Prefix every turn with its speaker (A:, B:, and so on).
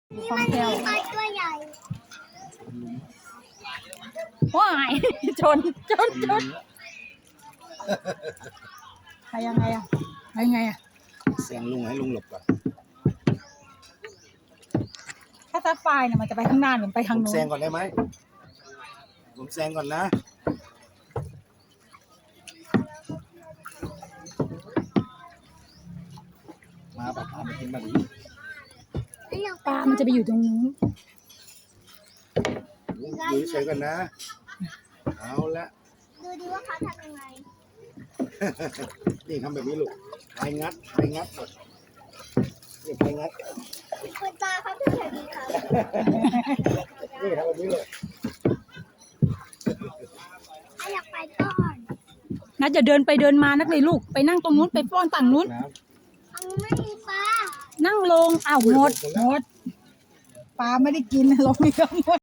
A: คล่องแคล่ว
B: ปลาตัวใหญ่
A: ว้ายชนไปยังไงอะไปยังไงอะ
C: แซงลุงให้ลุงหลบก่อน
A: ถ้าซัดไฟเนี่ยมันจะไปข้างหน้าหรือไปทาง
C: ผม
A: โน้น
C: แซงก่อนได้ไหมผมแซงก่อนนะมาปะพามากินมาดิ
A: ปลามันจะไปอยู่ตรงนู้น
C: ลุงอยู่เฉยๆก่อนนะเอาละ
B: ดูดิว่าเขาทำยังไง
C: นี่ทำแบบนี้ลูกพายงัดก่อนนี่พายงัด
B: คุณตาเขาทำแบบนี้ค่ะ
C: นี่ทำแบบนี้เลย
B: อยากไปก่อน
A: นัดอย่าเดินไปเดินมานักเลยลูกไปนั่งตรงนู้นไปป้อนฝั่งนู้น
C: น้
B: อันนี้ไม่มีปลา
A: นั่งลงอ้าวหมดปลาไม่ได้กินลงไปก็หมด